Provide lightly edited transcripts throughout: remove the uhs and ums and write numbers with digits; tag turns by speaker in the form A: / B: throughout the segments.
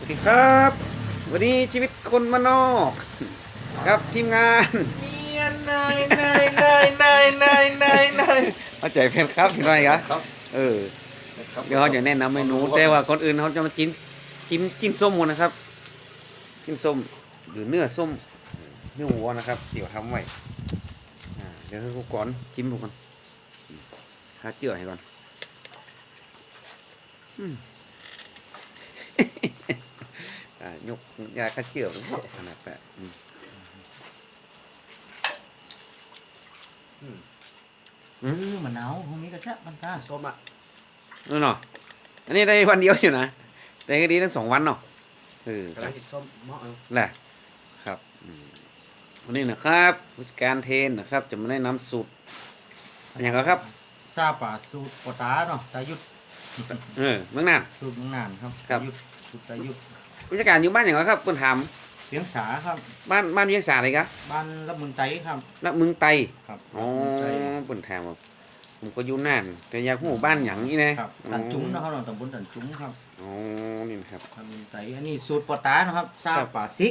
A: สวัสดีครับวันนี้ชีวิตคนมานนอกครับทีมงาน
B: เนียนนาย
A: เอาใจแฟนครับพี่น้อยครับ
B: ครับ
A: เออเดี๋ยวเขาจะแนะนำเมนูแต่ว่าก่อนอื่นเขาจะมาจิ้นส้มก่อนนะครับจิ้นส้มหรือเนื้อส้มเนื้อวัวนะครับเดี๋ยวทำไว้เดี๋ยวให้กูก่อนจิ้มดูก่อนข้าเจือให้ก่อนยกยาข้าเจือขนาดแปะ
B: มะนาวตรงนี้ก็แค่มันตาส้มอ่ะ
A: นู่นเนาะอันนี้ได้วันเดียวอยู่นะได้ก็ดีทั้ง2 วันเนาะ
B: กระไรส้มเหมาะเอา
A: แหละครับวันนี้นะครับผู้จัดการเทนนะครับ จะมาแนะนำสูตรอย่างไรครับ
B: ซาป่าสูตรปตาเนาะตายุด
A: เมืองน่าน
B: สูตรเมืองน่านครับ
A: ครับ
B: ยุดสูตรตายุด
A: ผู้จัดการอยู่บ้านอย่างไรครับเพิ่นถาม
B: เลี้ยงสาครับ
A: บ้านเวียงสาเลยครับ
B: บ้านรับเมืองไตครับ
A: แล้วเมืองไต
B: ครับ
A: อ๋อ
B: เมืองไต
A: เพิ่นถามว่าผมก็อยู่น่านแต่อยากรู้บ้านหยังนี่นะครับ
B: ตันจุ้งนะครับเราตำบลตันจุ้งครับ
A: อ๋อนี่นะครับ
B: รับเมืองไตอันนี้สูตรปตานะครับซาป่าซิก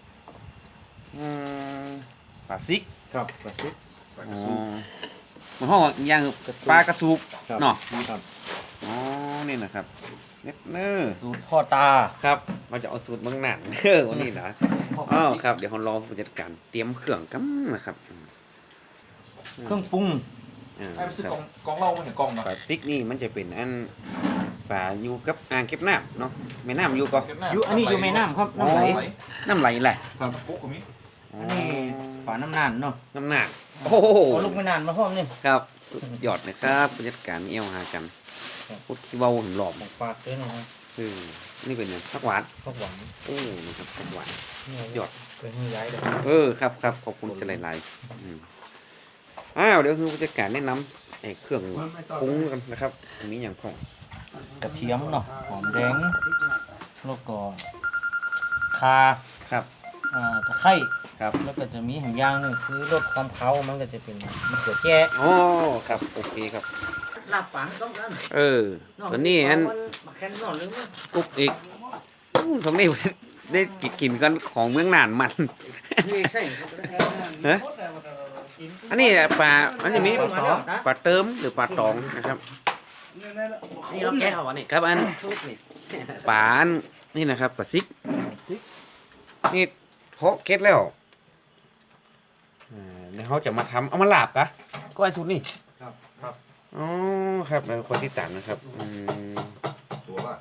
A: ปลาซิก
B: ครับปลาซิก
A: อ๋อมันห้องอย่างปลากระสูบเนาะ
B: ครับ
A: อ๋อนี่นะครับเนื้อ
B: สูตรพ่อตา
A: ครับเราจะเอาสูตรเมืองน่านวันนี้นะอ๋อครับเดี๋ยวเรารอผู้จัดการเตรียมเครื่องกันนะครับ
B: เครื่องปรุง
C: ให้ไปซื้อกองเหล้ามาเห็นกองเนาะ
A: ปลาซิกนี่มันจะเป็นอันปลาอยู่กับอ่างเก็บน้ำเนาะแม่น้ำอยู่ก็
B: อยู่อันนี้อยู่แม่น้ำครับน้ำไหล
A: น้ำไหลแหละ
B: ครับ
C: ปุ๊กกับมิ
B: อันนี้ฝาน้ำนานเนาะ
A: น้ำหนักโอ้โห
B: ขอลูกไม่นานมาพร้อมนี่
A: ครับสุดยอดนะครับผู้จัดการเอี้ยวหากันพูดขี้เบาถึงหลอม
B: ของปากด้วยนะครับ
A: นี่เป็นอย่างผักหวาน
B: ข้าวหวาน
A: โอ้นะครับผักหวาน ยอด
B: เป็นมือย้ายเลย
A: ครับขอบคุณจะหลายๆเดี๋ยวคือผู้จัดการแนะนำไอ้เครื่องปรุงกันนะครับมีอย่างของ
B: กระเทียมเนาะหอมแดงแล้วก็คา
A: ครับ
B: ตะไคร้
A: ครับ
B: แล้วก็จะมีหางย่างหนึงคือลดความเค้ามันก็จะเป็นมะเขือแจ้
A: อ๋อครับโอเคครับ
B: ลาบปางต้องกัน
A: ตัวนี้อัน
B: มาแค่นนอนหรือมั้ง
A: กุ๊กอีกสมนี้ได้กินกันของเมืองน่านมัน
B: นี่ใช่
A: ฮะอันนี้ปลาอันนี้มีปลาเติมหรือปลาตองนะครับ
B: นี่เราแก้เอาวะนี่
A: ครับอันปลาอันนี่นะครับปลาซิกนี่เพาะเก็ตแล้วเดี๋ยวเขาจะมาทำเอามาลาบกะก็ไอ้สูตรนี่
C: ครับ
A: อ๋อครับแล้วคนที่ตัดนะครับ
C: ตัวว่า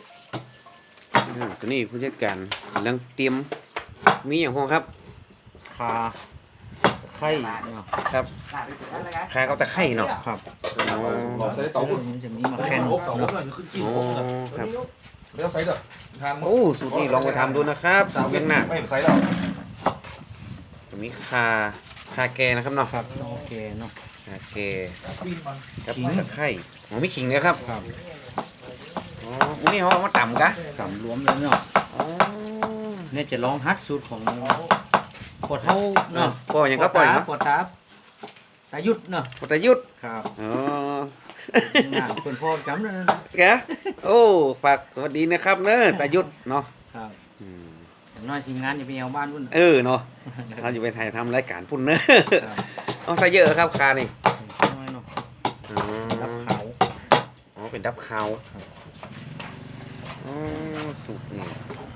A: ตัวนี้ผู้จัดการกำลังเตรียมมีอย่างพวกครับ
B: คาตะไคร้เนาะ
A: ครับคากับตะไคร่เนาะ
B: ครับ
A: อ๋อ
C: หลอดใส่เตาบุญ
B: มันจะมีมาแค่น
C: เตาบุญเลยขึ้นกิน
A: อ๋อ
C: ปุ๊บเลย
A: ครับ
C: ไม่ต้องใส่เด้อทาน
A: โอ้สูตรนี้ลองไปทำดูนะครับสูตรเวียงหน้า
C: ไม่ใส่แล้ว
A: จะมีคาแกนะครับเนาะ
B: ครับโอเคเนาะ
A: คาแก
C: ปีนมัน
A: กับ
B: ขิง
A: ตะไคร่อ๋อมีขิงนะครับ
B: ครับ
A: อ๋อมื้อนี้เขาเอามาต่ำกะ
B: สำรวมเลยเนาะ
A: อ๋อ
B: เนี่ยจะลองฮัดสูตรของปอเท่าเนาะ
A: ปออย่างก็ปออย่าง
B: ปอตาตายุดเนาะ
A: ปอตะยุทธ
B: ครับ
A: อ๋อ
B: งานเป็นพ่อจำเลยนะ
A: แกโอ้ฝากสวัสดีนะครับเนอะตะยุทธเนาะ
B: ครับ
A: อืม
B: อย่างน้อยทีมงานอย่าไปเอาบ้านวุ่น
A: เนาะเราอยู่ไปถ่ายทำรายการพุ่นเนอะ
B: ครับ
A: เอาใส่เยอะครับคานี่
B: น้อยเนาะ
A: อ๋
B: รับ
A: อ
B: เขา
A: อ๋อเป็นดับคาวอ๋อสูตรนี่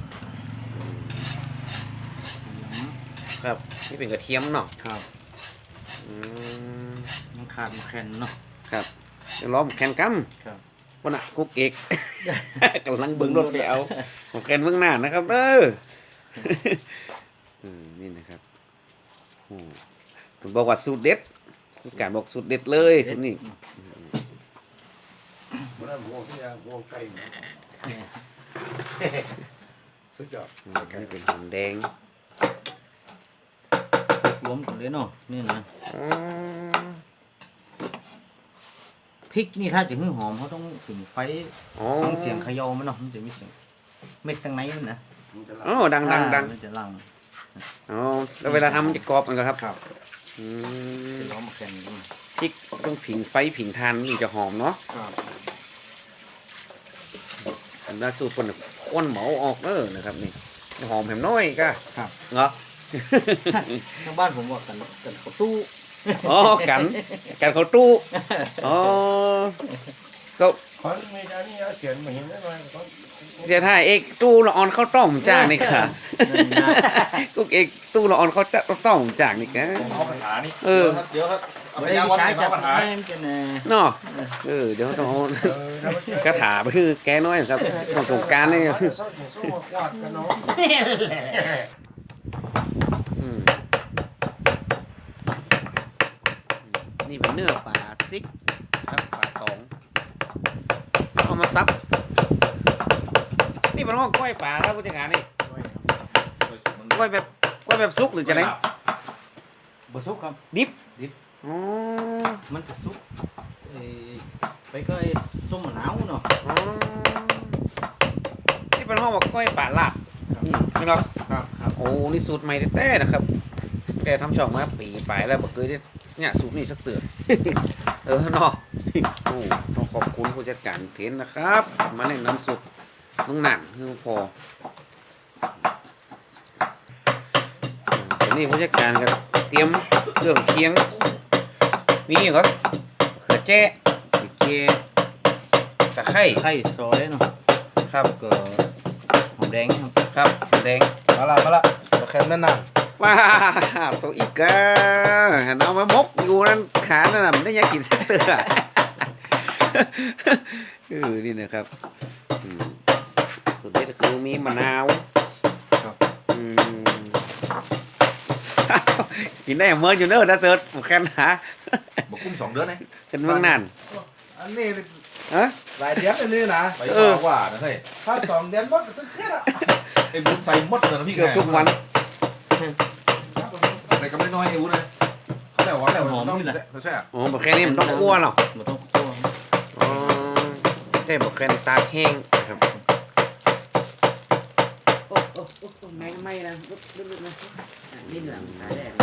A: ครับนี่เป็นกระเทียมเนาะ
B: ครับ
A: อืม
B: มันขาดมันแข็งเนาะ
A: ครับเดี๋ยวล้อมแคนกัม
B: ครับ
A: คนน่ะกุ๊กเอก กำลังเบิ่งรถไปเอาของแคนเบื้องหน้านะครับนี่นะครับโอ้ผมบอกว่าสูตรเด็ดมีการบอกสูตรเด็ดเลยสูตรนี้
C: มันนั่นวงที่ยังวงไก่สุดยอด
A: นี่เป็นหอมแดง
B: รวมกันเลยเนาะนี่นะ
A: อ๋อ
B: พริกนี่ถ้าจะให้หอมเขาต้องถึงไฟ
A: อ๋อ
B: ฟังเสียงเขย่ามันเนาะมันจะมีเสียงเม็ดข้างในมันนะ
A: อ๋อดัง
B: มันจะลัง
A: อ๋อแล้วเวลาทำมันจะกรอบมันก็ครับ
B: ครับ
A: อืม
B: จะล้อมมาแข็งด้วย
A: พริกต้องผิงไฟผิงทานนี่จะหอมเนาะ
B: ครับ
A: อันนั้นสูตรคนน่ะโคก้นเหมาออกนะครับนี่หอมแหมน้อยก็
B: ครับ
A: เหรอ
B: ทางบ้านผมว่ากันข้าวตู้
A: อ๋อกันเขาตู้อ๋อก็
C: ขอไม่ได้นี่เสียงไม่เห็นได้ไหม
A: เสียท่ายเอกตู้ละออนข้าวต้มจากนี่ค่ะ
B: นั่นนะ
A: กุ๊กเอกตู้ละออนข้าวต้มจากนี่ค่ะ
C: เอาปัญหานี่
A: เออ
C: เดี๋ยวครับเอาไป
B: ไม่
C: ยา
B: ได้
C: วัน
B: ใช้
C: ไหน
B: จับ
C: ปัญหา
B: แม่มันจะแน่
A: เนาะเดี๋ยวต้องเอาคาถาไปคือแกน้อยครับของสงกรารนี่อืมนี่เป็นเนื้อปลาซิกครับปลาตองเอามาซับนี่เป็นห้องก้อยปลาครับผู้จัดการนี่ก้อยแบบซุกหรือจะไหน
B: บสุกครับ
A: ดิบอ๋อ
B: มันจะสุกไปก็ไอ้ส้มมะนาวเนาะ
A: อ๋อนี่เป็นห้องว่าก้อยปลาลาบนี่ครับ
B: ครับครับ
A: โอ้นี่สูตรใหม่แท้ๆนะครับแกทำช่องมาปีไปแล้วบอกเคยได้เนี่ยสูตรนี้สักเตือน เออเนาะโอ้ต้องขอบคุณผู้จัดการเทนนะครับมาแนะนำสูตรมึงหนังคือพอเดี๋ยวนี้ผู้จัดการก็เตรียมเครื่องเคียงมีเหรอเขือแจ้เกลือตะไคร้
B: ไข่ซอยเนาะ
A: ครับ
B: ก็หอมแดงครับ
A: ครับแดง
C: มาละตัวแคมนั่นน่ะ
A: ว้าตัวอีกอะเอามามกอยู่นั่นขานั่นน่ะมันได้ยังกินสักเตือนี่นะครับสุดเด็ดคือมีมะนาวอืมกินได้เมื่ออยู่เนอะนะเซิร์ชผมแค่หา
C: บอกกุ้ง2 เดือนนะ
A: เป็นเมืองนาน
D: อันนี้
A: ฮะ
D: หลายเดือนเลยนี่นะ
C: ไปกว่านะเฮ้ย
D: ถ้า2 เดือนก็ต้องเครียดอ่ะ
C: ไอ้บุญใส่หมดเลยนะพี่
A: เกือบทุกวัน
C: ใส่กำไรน้อยไอ้บุญเลยเขาแล้วว่าแล้วต้องใช่
A: อ๋อบอกแค่นี้มันต้องคั่วหรอก
B: มันต้องคั่ว
A: อ๋อใช่บอกแค่ตากแห้งนะครับโอ้ไม่นะลึกๆนะนี่หลังตาแดง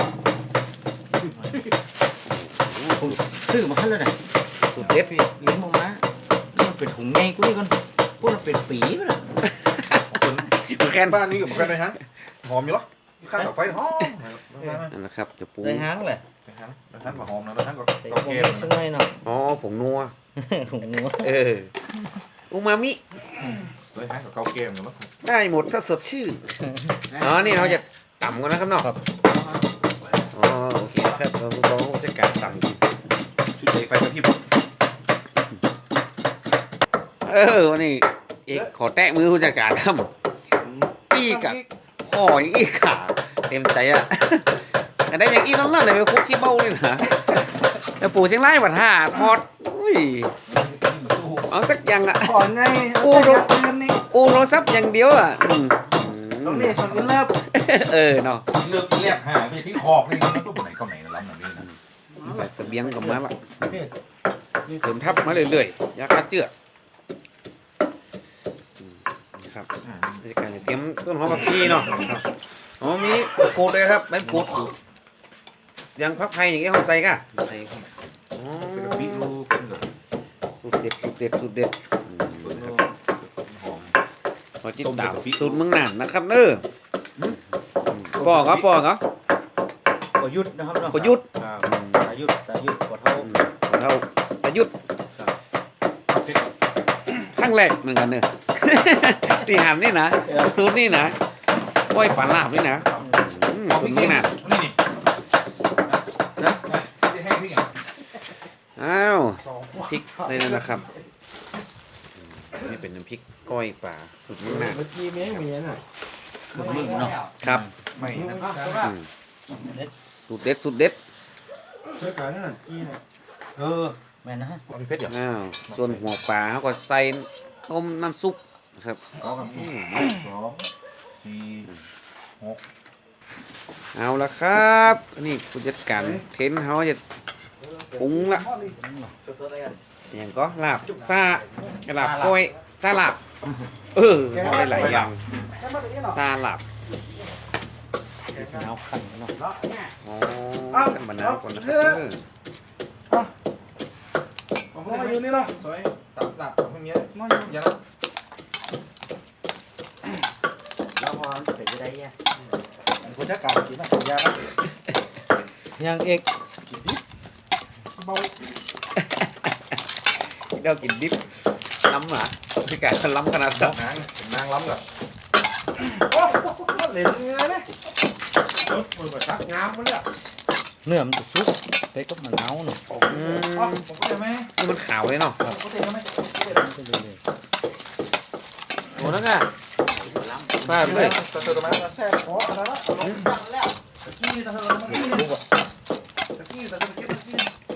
B: ผมซื้อมาขั้นแล้วเนี่ย
A: สุดเด็ด
B: พี่เลี้ยงมานี่มันเป็นถุงไงกูนี่ก่อนพวกมันเป็นปีไปแล้ว
A: แค่
C: บ้านนี้กับแค่ไหนฮะหอมอยู่หรอข้าวกับไฟหอม
A: นั่นนะครับจะปรุง
B: ได้หางเลย
C: ท่านกับหอมนะท่านกับ
B: ใส่
C: กับ
B: ก
C: เก
B: ง
C: ม
B: สักหน่อยเนาะ
A: อ๋อผงนัว
B: ถุงหัว
A: อูมามิ
C: เลยฮะกับเกาเกมกันมั้ง
A: ได้หมดถ้าสดชื่นอ๋อนี่เราจะต่ำกันนะครับเนาะอ๋อโอเคครับเราจะการต่ำกิน
C: ชุดเด็กไฟกระพริบ
A: วันนี้เอกขอแตะมือผู้จัดการทำอีกับพ่ออย่างอีขาเต็มใจอะแต่ได้อย่างอีต้องนั่นเลยไปคุกขี้เบ้าเลยนะแต่ปู่เชียงรายวัดท่าทอดอุ้ยเอาสักอย่างอะ
D: ก่อนไง
A: กู
D: โอ้
A: รู้
D: โหนี่
A: อูโทรศัพท์อย่างเดียวอะ
D: ต้องนี่ชนกันเลิฟ
A: เนาะ
C: เลือกเรียบหาไปที่คอกนี่มันต้องไหนก็ไหนล้ำแบบนี้นะ
A: แต่เสบียงก็มาละเสริมทับมาเรื่อยๆยาฆ่าเจือกครับบรรยากาศเตรียมต้นหอมผักชีเนาะอ๋อมีกูดเลยครับใบกูดยังพักไทยอย่างเงี้ยเขาใส่ก่ะ
B: ใส่เข้ามา
A: อ๋อ
C: เป็นกระพริบลูกเป็นแบบ
A: สูตรเด็ดสูตรเด็ดสูตรเด็ด
C: หอม
A: พอจิตตามสูตรเมืองน่านนะครับเน้อปอกครับปอกครับ
B: ประยุทธ์นะครับเนาะ
A: ประยุทธ์
B: ครับประยุทธ์กว่าเท่า
A: เราประยุทธ์ครั้งแรกเหมือนกันเนอะ ที่หันนี่นะสูตรนี่นะก้อยปลาลาบนี่นะสูตรเมืองน่าน
C: นี่นี่นะจะให้พี่ไง
A: อ้าวพริกเลยนะครับนี่เป็นน้ำพริกก้อยปลาสูตรเมืองน่าน
D: เมื่อกี้เมียเมียน่ะ
B: มึงเนาะ
A: ครับ
C: ไม่นั่น
A: สูตรเด็ดสูตรเด็ด
D: ช่วยกันนั่นกี้น่ะ
B: แม่นนะฮะ
C: มีเพชรเหรอ
A: อ้าวส่วนหัวปลาเขาก็ใส่ต้มน้ำซุปนะครับ
C: อ๋อครับ2 4
A: เอาละครับนี่ผู้จัดการเทนเขาจะปรุงละ
D: สดๆเลยกัน
A: อย่างก็ลาบซาลาบก้อยซาลาบเอาได้หลายอย่างซาลาบ
B: มะนาวขั่นเนาะ
A: อ๋อกันมะนาวก่อนนะครับ
D: ผมมาอยู่นี่เนาะ
C: ซอยตับไม่มียัน
D: เป็นไปได้ยังคนจัดการกินนะยาครับ
B: ยังเอก
D: กินดิเบา
A: เดี๋ยวกินดิบล้ำหมาพี่ไก่ล้ำขนาดนั้น
C: นางล้ำกับ
D: โอ้โหเหลวเงี้ยเลยมือแบบตักงามมาเลย
B: เนื้อมันจะสุกไปกับมะนาวเนาะ
D: ผมก็จะไม่
A: นี่มันขาวเลยเนาะ
D: ผมก็จะไม่
A: โอ้นั่นไงป้าเลย
C: ตะเสด็จมา
D: แซ่บพออะไรละลงจังแล้วตะกี้ตะเสด็จมาตะกี้ตะเสด็จตะกี้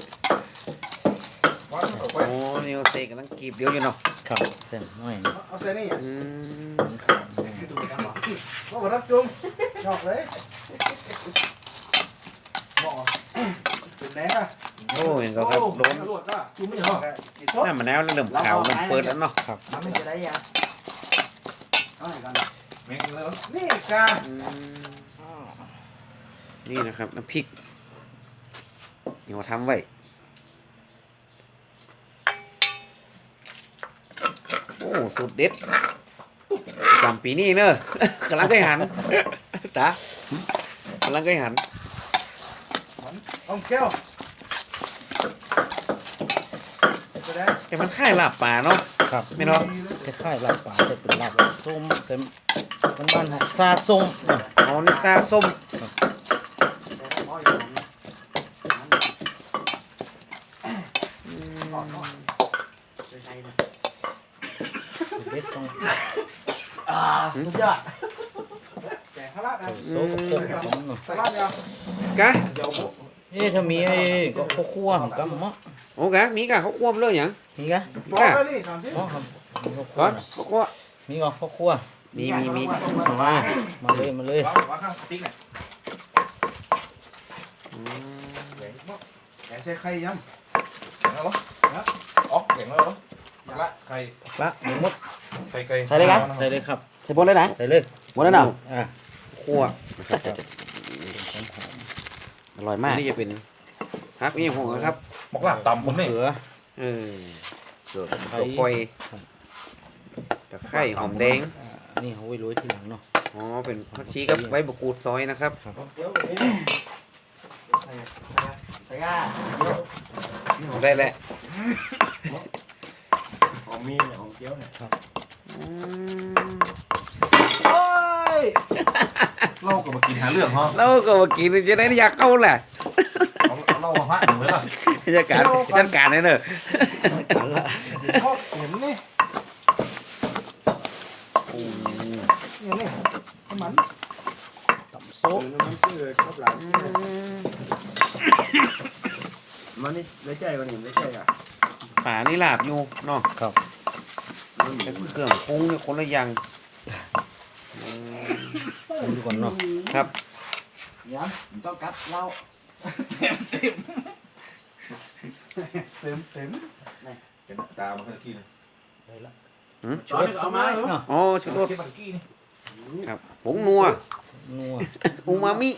D: วันออกไป
A: โอ้นี่โอเซกำลังกีบเดียวอยู่เนาะ
B: ครับเส้นน้อยนี่
D: เอาเส้นนี่
A: อืม
D: ก็รับจุ่มชอบเลยหม้อเป็นแดงอ่ะ
A: โอ้เห็นก็ครับโดน
D: ลวดอ่ะจุ่มไม่เหรอ
A: หน้ามันแล้วเริ่มขาวเริ่มเปิดแล้วเนาะ
D: น้ำมันจะได้ยังเอาไหนกัน
C: แม่งเลย
D: นี่กา
A: อืมนี่นะครับน้ำพริกนี่เราทำไว้โอ้สูตรเด็ดจำปีนี้เนอะ กำลังเคยหันตากำลังเคยหัน
D: เอาแก้วจะได้
A: แต่มันค่ายลาบป่าเนาะ
B: ครับ
A: ไม่เนาะ
B: คล้ายๆลาบปลาแต่เป็นลาบส้มแต่มันบ้านๆซาส้มเนาะ
A: อ๋อนี่ซาส้ม
B: เด็ดต้อง
D: สุดยอดแกงข้าวราดนะ
B: โซ่กับโซ่ของเนาะ
D: ข้าวราดเนี่ย
A: กะ
D: เดี๋ยว
B: ถ้ามีไอ้ก็ข้าวคั่วของกัมมะ
A: โอ้กะมีกะเขาควบเลยอย่าง
B: มีกะ
D: บอกเลยนี่ถามสิ
B: อ๋อครับมีข้าวคั่
A: ก่
B: ว
A: อน
B: นะ
A: เขาควบ
B: มีก็ข้าวคั่ว
A: มี
B: มาเลย
C: วางข้างติ๊กเนี่ย
A: อืม
D: แกงใส่ไข่ย
C: เก่งแล้วเหรออ๋อเก่งแล้วเหรอละไข่
B: ละหมูมด
C: ไข่ไก่
B: ใส่เลยครับใส่เลยครับ
A: ใส่บนเลยนะ
B: ใส่เลย
A: หมดแล้วเนาะ
B: อ่า
A: คั่วนะครับอร่อยมากนี่จะเป็นฮักนี่ผมครับ
C: หมกลาบตำผมนี่
B: เขือ
A: เออ
B: ไข่
A: ตัวคอยตะไคร้หอมแดง
B: นี่เขาไว้โรยทีหลังเนาะ
A: อ๋อเป็นผักชีกับใบมะกรูดซอยนะครับ
D: ำเดี๋ยวนี่ใส่ย่า
A: ใส่แหละ
D: หอมมีเนี่ยหอมเจียวเนี่ย
A: อืม
D: โอ้ย
C: เล่ากับมากินหาเรื่องเหรอ
A: แล้วก็มากินจะได้อยากเข้าแหละ
C: เล่ามาพระหนึ่งเลยล่ะ
A: จัดการเลยเนอะ
D: ชอบเห็นนี่นี่มัน
B: ตำโซ่
D: มันชื่อชอบหลังมันนี่ได้ใจมันนี่ได้ใจอ่ะ
A: ป่านี่ลาบอยู่เนาะ
B: ครับ
A: แต่เครื่องปรุงเนี่ยคนละอย่างอืม
B: ดูก่อนเนาะ
A: ครับ
D: ยังต้องกัดเหล้าเต็ม
C: เป็นตามาเมื่อกี้นะ
D: ช้อนเอามา
B: เนาะ
A: อ๋อชุดรส
C: ที่เมื่อกี้นี่
A: ครับผงนัว
B: นัว
A: อูมามิ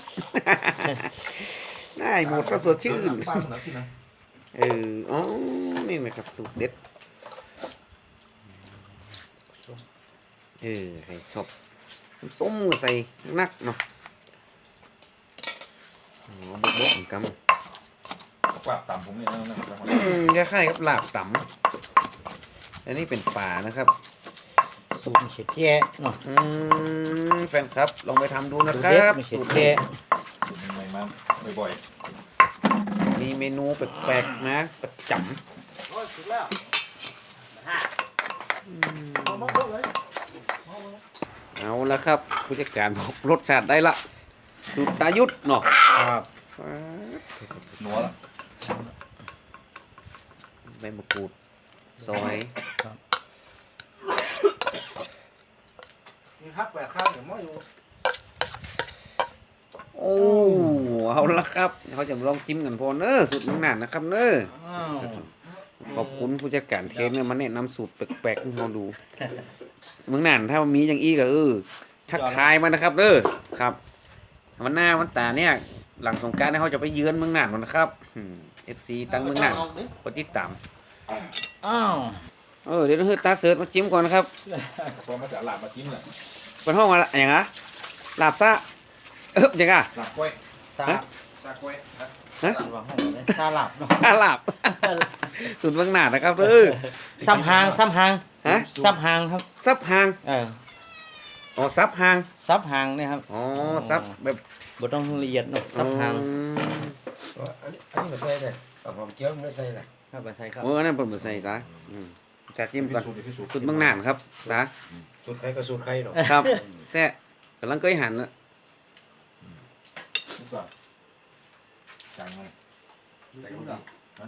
A: ได้หมดก็สดชื่น
C: ป้าคนนั้นกินนะ
A: อ๋อ นี่นะครับสูตรเด็ด ใครชอบส้มๆก็ใส่นักเนาะอ๋อบกๆเหมือนกัน
C: หมกลาบตำผมนี่นะ
A: คล้ายๆกับลาบตำอันนี้เป็นป่านะครับ
B: สูตรเฉียดแย่เนาะ
A: แฟนครับ ลองไปทำดูนะ
B: สูตร
A: ครั
B: เด็ด
A: บ
B: ไม่เฉีย
A: สู
B: ด
A: ตร
B: แย่
C: ใหม่มาบ่อย
A: มีเมนูแปลกๆนะประจ
D: โอ้ยสุดแล้วเอามาเพิ่มเลย
A: ำเอาละครับ ผู้จัดการบอกรสชาติได้ละ สูตรตายุทธเนาะ
B: ครับ
C: ๆนัวละ
A: ใบมะกรูดซอย
D: มีพักแปะข้าวเดี๋ยวม้ออยู่
A: โอ้เอาละครับเขาจะลองจิ้มกันพอเนอะสูตรเมืองน่านนะครับเนอะ
B: อ้าว
A: ขอบคุณผู้จัดการเทนเนี่ยมาแนะนำสูตรแปลกๆให้เราดู เมืองน่านถ้ามีอย่างอี้ก็ทักทายมานะครับเด้อครับวันหน้าวันตาเนี่ยหลังสงกรานต์เนี่ยเขาจะไปเยือนเมืองน่านกันนะครับFC ตั้งเมืองน่านกดติดตาม
B: อ้าว
A: เดี๋ยวเราให้ตาเสิร์ชมาจิ้มก่อนนะครับ
C: พอมาจากหลาบมากินแหละ
A: เป็นห้องอะไรอย่างอ่ะลาบซะยังไง
C: หลับกล้วย
B: ซา
A: ฮะ
C: ตากล้วยฮะ
B: ว่าให้ซาลับเนาะ
A: ซาลาบ สุดเบื้องหน้านะครับเออ
B: ซับหางซับหาง
A: ฮะ
B: ซับหางครับ
A: ซับหาง อ๋อซับหาง
B: ซับหางเนี่ยครับ
A: อ๋อซับแบบ
B: บ่ต้องละเอียดเนาะซับหาง
E: อันนี้มาใส่เลยเอาหอมเจียวมันใส่เลย
B: ครับไปใส่ครับ
A: โอ้อันนั้นเปิดมาใส่ตาจัดจิ้มก่อน
C: สูตรพิสูจน์
A: สุดเบื้องหน้าครับตา
E: สูตรใครก็สูตรใครหรอก
A: ครับ แต่กำลังเคยหันนะ
C: นี่ก่อนจางเลยใส่กระเทียม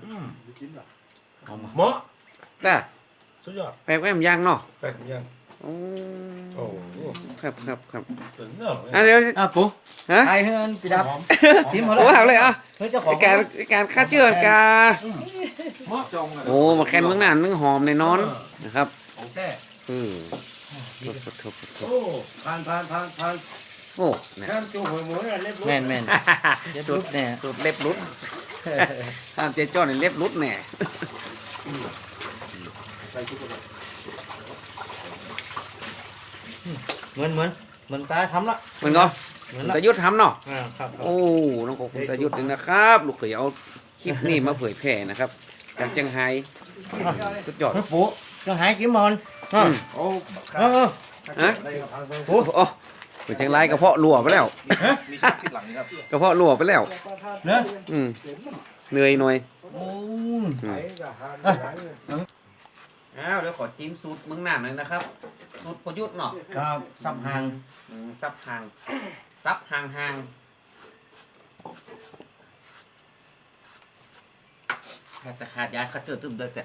E: เหมาะ
A: แต่
E: สุดยอด
A: แปลกแหวมย่างเนาะ
E: แป้งยัง
A: โอ้
E: โอ้โห
A: ครับครับครับ
E: ถึงเนาะ
A: อ่ะเดี๋ยว
B: อ่ะปุ๊
A: ฮะ
B: ไทยเฮือนติดับ
A: ทีมโอ้หักเลยอ่ะ
B: เฮ้ยเจ้าของ
A: การฆ่าเชื้อการ
C: เหมาะจงเลย
A: โอ้มาแคนเบื้องหน้านึ่งหอมในนอนนะครับ
E: ของแท้
A: โอ้
E: โอ้ผ่าน
A: โอ้เนี่ย
E: ข้ามจูหัวหมูเนี่ยเล็บ
B: แม่นแม่นเดี๋ยวรุดเนี่ย
A: สูตรเล็บรุดข้ามเจ๊จ้อนในเล็บรุดแน่
C: ใส่ทุกคน
B: เหมือนตาทำละ
A: เหมือนก็
B: เหมือน
A: คุณ
B: ละ
A: ตายุทธทำเนาะ
B: ครับ
A: โอ้น้องของคุณตายุทธเลยนะครับ ลูกเขยเอาคลิปนี้มาเผยแพร่นะครับจากเชียงไฮ้สุดยอด
B: เฮ้ยปุ๊จะหายกี่มอน
C: โอ้
A: ฮะ
C: ได้ครับ
A: โอ้โหเชียงรายกระเพาะรั่วไปแล้ว
C: มีชักที่หลังครับ
A: กระเพาะรั่วไปแล้ว
B: เนอะ
A: อืมเหนื่อยหน่อย
B: โอ้
E: ไข่กับหางหลายเลย
A: อ้าวเดี๋ยวขอจิ้มสูตรเมืองหน้าหน่อยนะครับสูตรประยุทธ์เนาะ
B: ครับซับหาง
A: ซับห่างซับห่างห่างแต่ขาดยาคัดเจอตึมเลยแต่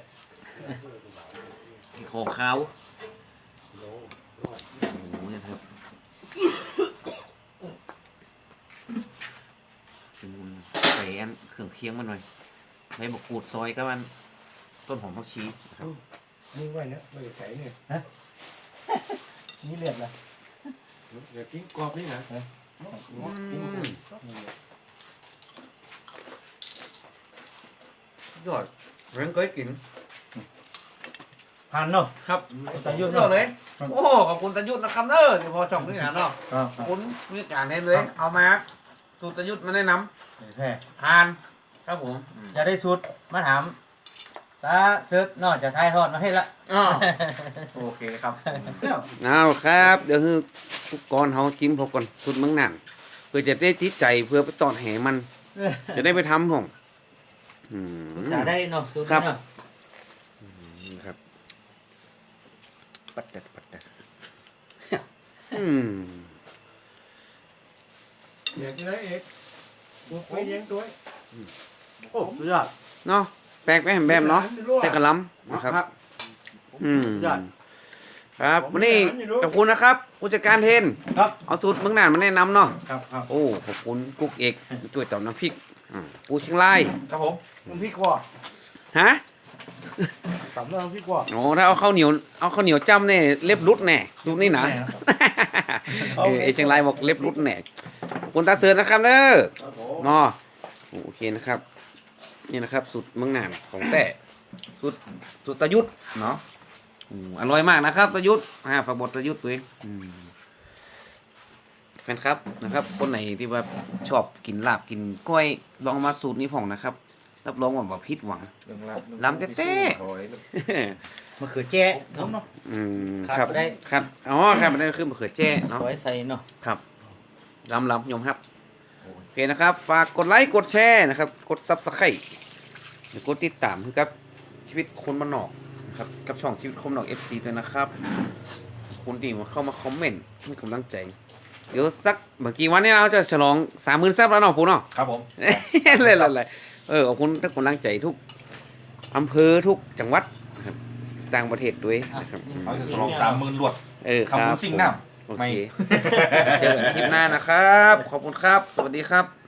A: ของเขาโอ้โหเนี่ยครับใส่อันเครื่องเคียงมาหน่อยใบมะกรูดซอยก็มันต้นหอมผักชีครับ
E: นี่ไว้นะไม่ไข่เนี่ย
B: นี่เลือดละ
E: เดี๋ยวกินกรอบนี่นะ
A: ยอดเรื่องเคยกิน
B: ผ่านเนาะ
A: ครับ
B: ตายุทธ
A: ยอดเลยโอ้ขอบคุณตายุทธนะครับเนอะที่พอช่องนี่นะเนาะ
B: ครับ
A: ขอบคุณวิการเห็นเลยเอามาสูตรตายุทธมาแนะน
B: แพ้
A: ำทานครับผม
B: อย่าได้สุดมาถามตาเซิร์ชนอกจากไทยทอดมาให้ละ
A: อ๋อโอเคครับเอาครับเดี๋ยวคือก่อนเขาจิ้มพอก่อนสูตรเมืองนั่นเพื่อจะได้จิตใจเพื่อไปตอดแหมัน จะได้ไปทำผมอืม
B: จะได้เนาะสุด
A: ครับ
B: เนาะ
A: ครับปัดดัดอืม
E: เดี๋ยวจะได้เอกบุกไปเลี้ยงด้วย
B: โอ้สุดยอด
A: เนาะแปลกไปแหมแบบเนาะแต่กระลำนะครับ อืม
B: สุดยอด
A: ครับวันนี้ขอบคุณนะครับผู้จัดการเทน
B: ครับ
A: เอาสูตรเมืองน่านมาแนะนำเนาะ
B: ครับครับ
A: โอ้ขอบคุณกุ๊กเอกช่วยตอบน้ำพริกปูเชียงราย
C: ครับผมน้ำพริกว่า
A: ฮะ
C: ตำเรื่องน้ำพริกว่า
A: โอ้ถ้าเอาข้าวเหนียวจ้ำเนี่ยเล็บรุดแน่สูตรนี้นะไอเชียงรายบอกเล็บรุดแน่ขอบคุณตาเสือนะครับเด้อ
C: ครับผม
A: เนาะโอเคนะครับ นี่นะครับสูตรเมืองน่านของแต่สูตรตะยุทธเนาะอร่อยมากนะครับตะยุทธฝากบทตะยุทธตัวเองแฟนครับนะครับ คนไหนที่ว่าชอบกินลาบกินก้อยลองมาสูตรนี้ผ่องนะครับรับรองว่าบ่ผิดหวัง
C: เรื่องรับ
A: ลำเต้
C: โอ้ย
B: มะเขือแจ้เนาะ
A: ครับ
B: ขาดบ่ได้
A: ครับอ๋อครับมันได้คือมะเขือแจ้เนาะ
B: สวยใส่เนาะ
A: ครับลำยมครับโอเคนะครับ ฝากกดไลค์กดแชร์นะครับ กด Subscribe หรือกดติดตามครับชีวิตคนบ้านนอกนะครับกับช่องชีวิตคนบ้านนอก FC ด้วยนะครับคุณที่มาเข้ามาคอมเมนต์ให้กำลังใจ เดี๋ยวสักเมื่อกี้วันนี้เราจะฉลอง 30,000 ซับแล้วเนาะปูเนาะ
C: ครับผม
A: เลยขอบคุณทุกกำลังใจทุกอำเภอทุกจังหวัดนะครับต่างประเทศด้วยนะครับ
C: เขาจะฉลอง30,000หลวด
A: ครั
C: คำ
A: บ
C: คุณสิ่งน้ำ
A: โอ
C: ไม่
A: เค เจอกันคลิปหน้านะครับ ขอบคุณครับ สวัสดีครับ